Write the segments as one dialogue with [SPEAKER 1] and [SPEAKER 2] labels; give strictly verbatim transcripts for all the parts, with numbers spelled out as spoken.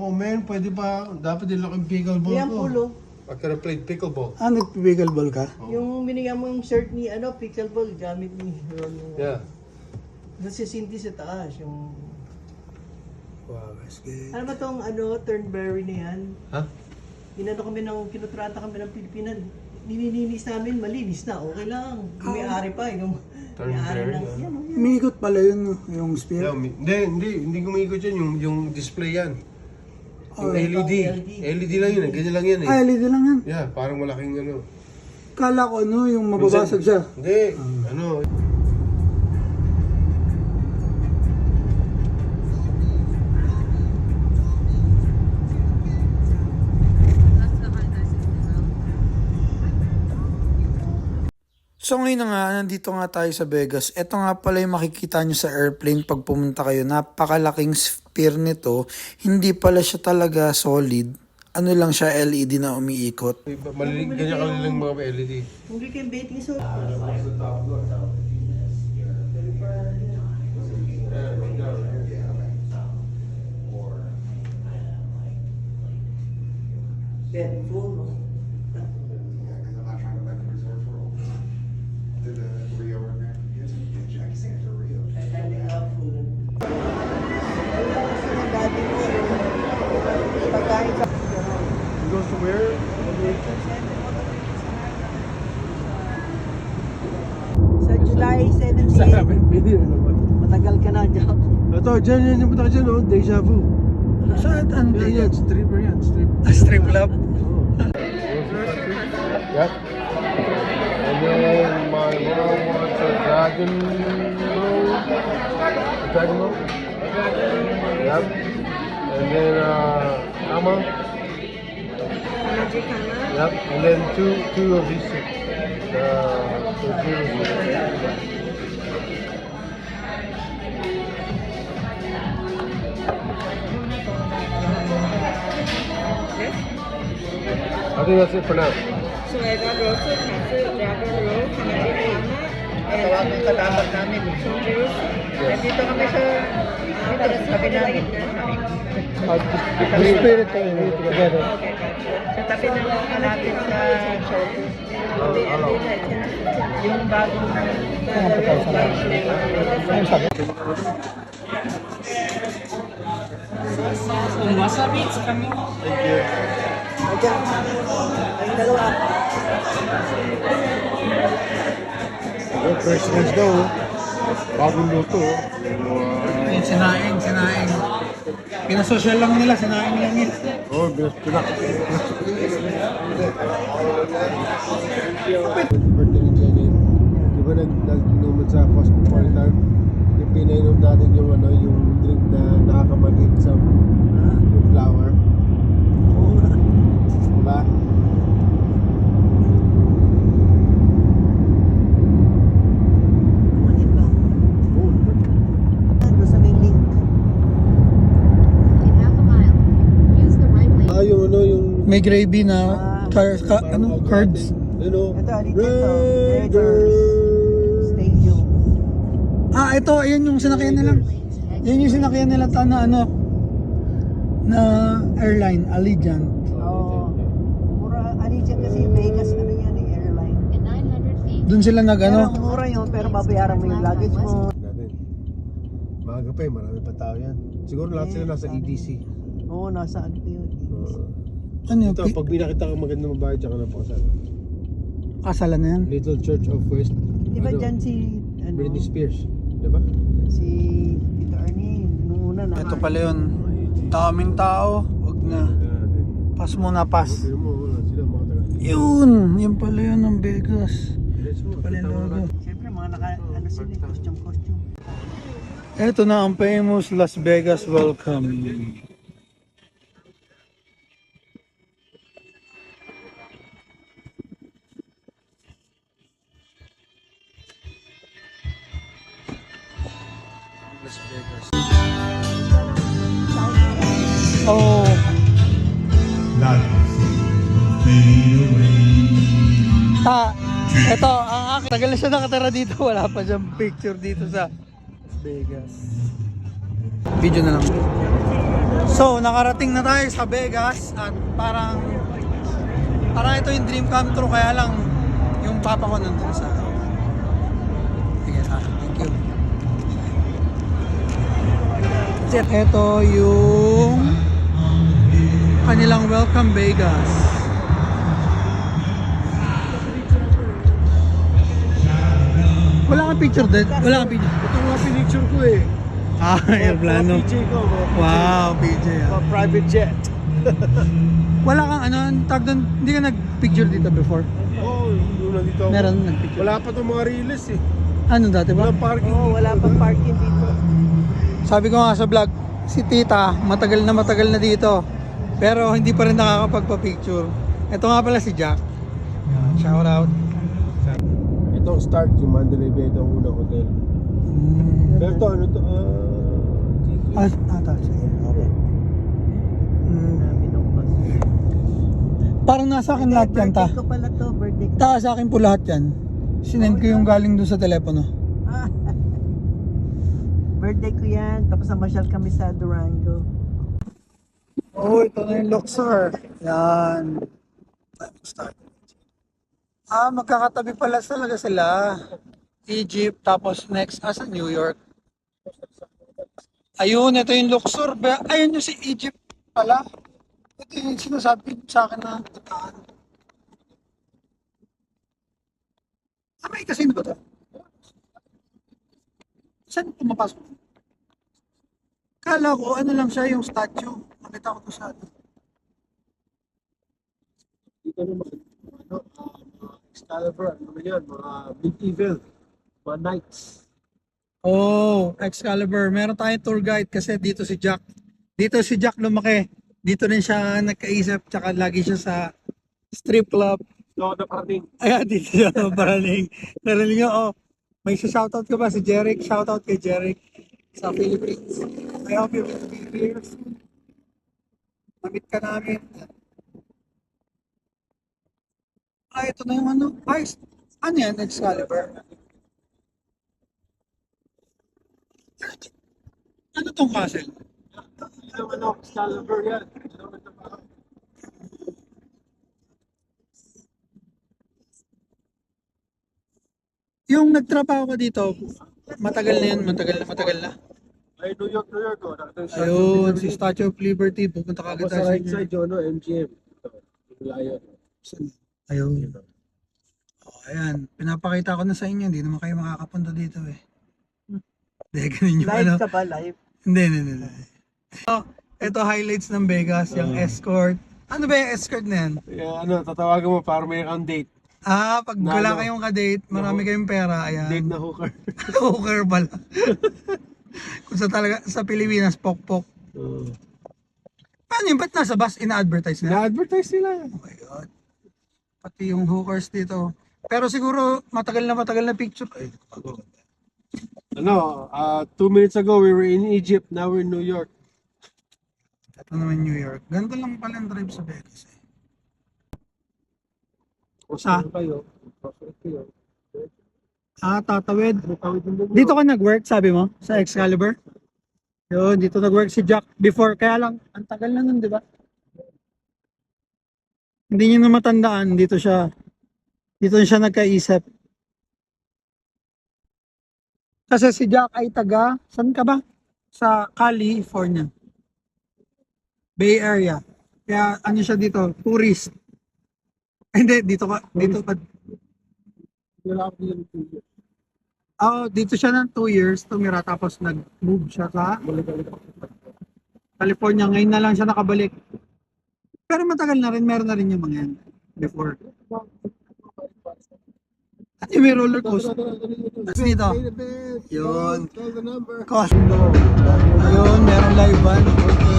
[SPEAKER 1] ako, men. Pwede pa. Dapat din lang yung pickleball
[SPEAKER 2] Yan,
[SPEAKER 1] ko.
[SPEAKER 2] pulo.
[SPEAKER 1] I could have played pickleball.
[SPEAKER 3] Ah, nag-pickleball ka?
[SPEAKER 2] Yung binigyan mo yung shirt ni, ano, pickleball, gamit ni Ron.
[SPEAKER 1] Yeah.
[SPEAKER 2] Doon si Cindy sa taas, yung...
[SPEAKER 3] Wow, that's good.
[SPEAKER 2] Ano ba tong, ano, Turnberry na yan?
[SPEAKER 1] Ha?
[SPEAKER 2] Inano kami ng, kinutrata kami ng Pilipinas. Nililinis namin, malinis na, okay lang. Yung may-ari pa, yung may-ari
[SPEAKER 1] Turnberry,
[SPEAKER 2] ng...
[SPEAKER 1] ah.
[SPEAKER 2] Yan, oh, yan.
[SPEAKER 3] Umiikot pala yun, no? Yung spear.
[SPEAKER 1] Yeah, umi- hindi, hindi. Hindi kumikot yan. Yung, yung display yan. Yung
[SPEAKER 3] Oh,
[SPEAKER 1] L E D.
[SPEAKER 2] L E D.
[SPEAKER 1] L E D lang yun eh. Ganyan lang yan eh.
[SPEAKER 3] Ah, L E D lang yan.
[SPEAKER 1] Yeah, parang malaking ano.
[SPEAKER 3] Kala ko ano, yung mababasag siya.
[SPEAKER 1] Hindi. Ano.
[SPEAKER 3] So ngayon na nga, nandito nga tayo sa Vegas. Ito nga pala yung makikita nyo sa airplane pag pumunta kayo. Napakalaking sphere nito. Hindi pala siya talaga solid. Ano lang siya, L E D na umiikot.
[SPEAKER 1] Malilig, ganyan kalilang mga L E D.
[SPEAKER 2] Hindi kayong betting so. Bet full, no? Ending up full. Dati mo yung pagkain sa...
[SPEAKER 1] It goes to where?
[SPEAKER 2] Sa July seventeenth,
[SPEAKER 1] Bili na naman.
[SPEAKER 2] matagal ka na dyan.
[SPEAKER 1] Ito, dyan yan. Yung punta ka dyan, oh. Deja vu.
[SPEAKER 3] Saan? Ano
[SPEAKER 1] Yan, yan. Stripper yan. Stripper.
[SPEAKER 3] Ah, strip club?
[SPEAKER 1] Yep. And then my mom wants a dragon roll. A dragon roll? Yep. And then uh Kama. Yep. And then two two of these six. Uh, so zero. I think that's it for now.
[SPEAKER 4] So I got roasted katsu, dragon roll, hanami tama, and
[SPEAKER 2] Tawagin ka dapat namin.
[SPEAKER 4] some juice.
[SPEAKER 2] Nandito kami sa...
[SPEAKER 4] Dito sa tabi namin.
[SPEAKER 3] The spirit ko yun, together.
[SPEAKER 4] Okay, gotcha.
[SPEAKER 2] Sa tabi ng malapit sa...
[SPEAKER 1] Hello.
[SPEAKER 2] Yung bagong...
[SPEAKER 3] Ano sabi?
[SPEAKER 4] Wasabi sa kami.
[SPEAKER 1] Thank you.
[SPEAKER 2] Ayan. Ang dalawa.
[SPEAKER 1] Well, first ones daw. Bagong luto. Wow.
[SPEAKER 3] Ayun, sinaing, sinaing. Pinasosyal lang nila, sinaing lang yun.
[SPEAKER 1] Oh, binas pinak. Birthday ni Jenny. Di ba nag nag-inuman sa Cosmopolitan? Yung pinainom natin yung ano, yung drink na nakakamanhid sa yung flower. Diba?
[SPEAKER 2] Kumanin ba?
[SPEAKER 1] Oh,
[SPEAKER 2] Ano sa may link?
[SPEAKER 5] In half a mile, use the right lane.
[SPEAKER 1] ah, yung ano, yung
[SPEAKER 3] May gravy na, car, ka, ano, cards.
[SPEAKER 1] you know,
[SPEAKER 2] Ito, alito ito.
[SPEAKER 1] Raiders.
[SPEAKER 2] Stadium.
[SPEAKER 3] Ah, ito, ayan yung sinakyan nila. Yan yung sinakyan nila ta na ano, na airline, Allegiant.
[SPEAKER 2] Oo. Mura, Allegiant kasi Vegas, ano yan eh, airline.
[SPEAKER 5] In nine hundred feet,
[SPEAKER 3] Doon sila nag
[SPEAKER 2] Pero
[SPEAKER 3] ano,
[SPEAKER 2] mura yun, pero babayaran mo yung luggage mo.
[SPEAKER 1] Natin. Maaga pa eh, marami pa tao yan. Siguro lahat sila nasa E D C.
[SPEAKER 2] Oo, nasa ano pa yun.
[SPEAKER 1] Uh,
[SPEAKER 3] ano yung
[SPEAKER 1] ito, pag binakita ka maganda mabayad, tsaka na pakasal.
[SPEAKER 3] kasalan na yan.
[SPEAKER 1] Little Church of West.
[SPEAKER 2] Di ba
[SPEAKER 1] ano,
[SPEAKER 2] dyan si, ano,
[SPEAKER 1] Britney Spears. Diba?
[SPEAKER 2] si Tito Ernie, nung una na.
[SPEAKER 3] Ito pala yun. Daming tao, wag na. Pass muna, pass.
[SPEAKER 1] Pero mo, wala sila mga taga.
[SPEAKER 3] Yun, yun pala yun ng Vegas.
[SPEAKER 1] Let's mo.
[SPEAKER 3] Pala yung logo.
[SPEAKER 2] Siyempre, mga naka, ano sila, eh, costume, costume.
[SPEAKER 3] Ito na ang famous Las Vegas welcome. Las Vegas. Oh, ta, ito, ang akin. Tagal na siya nakatira dito. Wala pa siyang picture dito sa Las Vegas. Video na lang. So, nakarating na tayo sa Vegas at parang parang ito yung dream come true, kaya lang yung papa ko nandun sa sige, ah, thank you. Ito yung kanilang Welcome Vegas. Wala kang picture din? Wala kang picture?
[SPEAKER 1] Ito nga pinicture ko eh.
[SPEAKER 3] Ah, aeroplano.
[SPEAKER 1] P J ko. mga P J.
[SPEAKER 3] Wow, P J. ah.
[SPEAKER 1] Mga private jet.
[SPEAKER 3] Wala kang ano, tag doon, hindi ka nag-picture dito before?
[SPEAKER 1] Oo, oh, yung nandito ako.
[SPEAKER 3] Meron nag-picture.
[SPEAKER 1] Wala pa itong mga release eh.
[SPEAKER 3] Ano dati ba?
[SPEAKER 1] Walang parking.
[SPEAKER 2] Oo, wala pang parking dito.
[SPEAKER 3] Sabi ko nga sa vlog, si tita, matagal na matagal na dito. Pero hindi pa rin nakakapagpa-picture. Ito nga pala si Jack. Shout out.
[SPEAKER 1] Itong start, yung Mandalay Bay, ito ang unang hotel.
[SPEAKER 3] Mm.
[SPEAKER 1] Pero ito, ano to? Ah,
[SPEAKER 3] Ah, ata, sige. Okay. Mm. Parang nasa akin lahat yan, ta.
[SPEAKER 2] Birthday ko pala to, birthday ko.
[SPEAKER 3] Ta, sa akin po lahat yan. Sinend ko yung galing doon sa telepono.
[SPEAKER 2] Ah. Birthday ko yan, tapos namasyal kami sa Durango.
[SPEAKER 3] Oh, ito na yung Luxor. Yan. Start. Ah, magkakatabi pala talaga sila. Egypt, tapos next, asa New York. Ayun, ito yung Luxor. Ba- Ayun yung si Egypt pala. Ito yung sinasabi sa akin na tataan. Ah, may casino ba ito? Saan pumapasok? Kala ko, ano lang siya yung statue. Nakita ko to sa ano.
[SPEAKER 1] dito naman, ano, uh, Excalibur, ano yan, mga medieval, mga knights.
[SPEAKER 3] Oh, Excalibur. Meron tayong tour guide kasi dito si Jack. Dito si Jack lumaki. Dito rin siya nagkaisip, tsaka lagi siya sa strip club.
[SPEAKER 1] So, naparating.
[SPEAKER 3] Ayan, dito siya paraling. Narinig niyo, oh, may shoutout ka ba si Jeric? Shoutout kay Jeric sa Philippines. I hope you will be here soon. Mamit ka namin. Ah, ito na yung ano. Ay, ano yan, Excalibur? Ano tong castle?
[SPEAKER 1] Hindi naman ako Excalibur yan. Hindi naman naman.
[SPEAKER 3] Yung nagtrabaho ko dito, matagal na yun, matagal na, matagal na.
[SPEAKER 1] Ay, New York, New York. Oh. Nakita yung Statue of
[SPEAKER 3] Ayun,
[SPEAKER 1] Liberty.
[SPEAKER 3] si Statue of Liberty, pupunta ka agad
[SPEAKER 1] Tapos
[SPEAKER 3] tayo
[SPEAKER 1] sa
[SPEAKER 3] sa
[SPEAKER 1] right
[SPEAKER 3] inyo.
[SPEAKER 1] side yun, ano, M G M. Ito, yung layo.
[SPEAKER 3] Ayun. Oh, ayan, pinapakita ko na sa inyo, hindi naman kayo makakapunta dito eh. Hindi, ganun yung ano.
[SPEAKER 2] Live ka ba, live?
[SPEAKER 3] Hindi, hindi, hindi. hindi. So, ito highlights ng Vegas, yung escort. Ano ba yung escort na yan?
[SPEAKER 1] Yeah, ano, tatawagan mo para may kang date.
[SPEAKER 3] Ah, pag
[SPEAKER 1] Na
[SPEAKER 3] wala
[SPEAKER 1] ano?
[SPEAKER 3] kayong ka-date, marami kayong pera, ayan.
[SPEAKER 1] Date na hooker.
[SPEAKER 3] Hooker pala. Kung sa talaga, sa Pilipinas, pok-pok.
[SPEAKER 1] Uh,
[SPEAKER 3] Paano yun? Ba't nasa bus? Ina-advertise na?
[SPEAKER 1] Na-advertise nila.
[SPEAKER 3] Oh my God. Pati yung hookers dito. Pero siguro, matagal na matagal na picture. Ay,
[SPEAKER 1] Ano, uh, two minutes ago we were in Egypt, now we're in New York.
[SPEAKER 3] ito naman New York. Ganito lang pala ang drive sa Vegas eh.
[SPEAKER 1] O
[SPEAKER 3] Sa?
[SPEAKER 1] saan kayo? Pasok kayo.
[SPEAKER 3] Ah, tatawid.
[SPEAKER 1] Tawid ng New York.
[SPEAKER 3] Dito ka nag-work, sabi mo? Sa Excalibur? Yun, dito nag-work si Jack before. Kaya lang, ang tagal na nun, di ba? Hindi niyo na matandaan. Dito siya. Dito siya nagkaisip. Kasi si Jack ay taga, saan ka ba? Sa California. Bay Area. Kaya ano siya dito? Tourist. Ay, hindi, dito ka. Dito ka.
[SPEAKER 1] Wala ako din ng two years.
[SPEAKER 3] Oh, dito siya ng two years tumira tapos nag-move siya sa
[SPEAKER 1] Balik-balik ako.
[SPEAKER 3] California. Ngayon na lang siya nakabalik. Pero matagal na rin, meron na rin yung mga yan before. At yung may roller coaster. Tapos dito, Yun.
[SPEAKER 1] Call the number.
[SPEAKER 3] cost. Ayun, meron live band.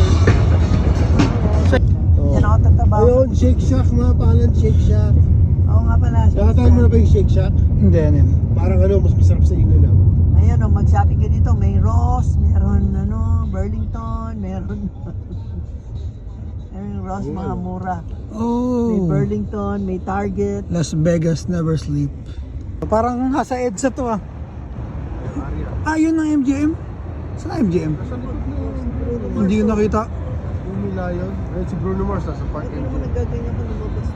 [SPEAKER 2] Yan ako tatabaw.
[SPEAKER 1] Ayun, Shake Shack mga pangalan, Shake Shack.
[SPEAKER 2] Oo nga pala.
[SPEAKER 1] Nakatahan mo na ba yung Shake Shack?
[SPEAKER 3] Hindi, ano yun.
[SPEAKER 1] Parang ano, mas masarap sa inyo na.
[SPEAKER 2] Ayun, oh, mag-shopping ka dito. May Ross, meron ano, Burlington, meron... meron Ross, mga mura. May
[SPEAKER 3] Oh,
[SPEAKER 2] Burlington, may Target.
[SPEAKER 3] Las Vegas never sleep. Parang nasa EDSA to ah. Ah, yun ang M G M? Saan ang M G M? Hindi yun nakita.
[SPEAKER 1] pumila yun. Ayun si Bruno Mars nasa park
[SPEAKER 2] Hindi
[SPEAKER 1] and
[SPEAKER 2] naman nagaganyan ko lumabas.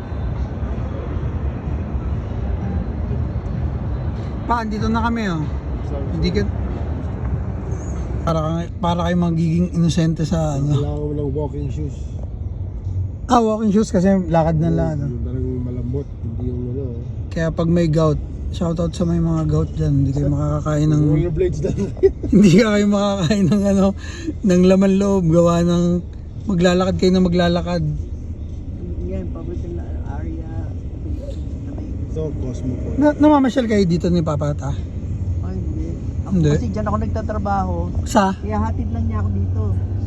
[SPEAKER 3] Pa, dito na kami oh. Hindi ka... Para, kang- para kayo magiging inosente sa ano.
[SPEAKER 1] Kailangan mo ng walking shoes.
[SPEAKER 3] Ah, walking shoes kasi lakad na lang. Ano.
[SPEAKER 1] Yung talagang malambot, hindi yung ano.
[SPEAKER 3] Kaya pag may gout, shoutout sa may mga gout dyan, hindi kayo makakakain ng...
[SPEAKER 1] Rollerblades lang.
[SPEAKER 3] hindi ka kayo makakain ng ano, ng laman loob, gawa ng maglalakad kayo na maglalakad.
[SPEAKER 2] Yan, paborito na area. Na may...
[SPEAKER 1] So, Cosmo po.
[SPEAKER 3] Na, namamasyal kayo dito ni Papa ta?
[SPEAKER 2] Ay, hindi. Ako
[SPEAKER 3] Hindi.
[SPEAKER 2] kasi dyan ako nagtatrabaho.
[SPEAKER 3] Sa?
[SPEAKER 2] Kaya hatid lang niya ako dito.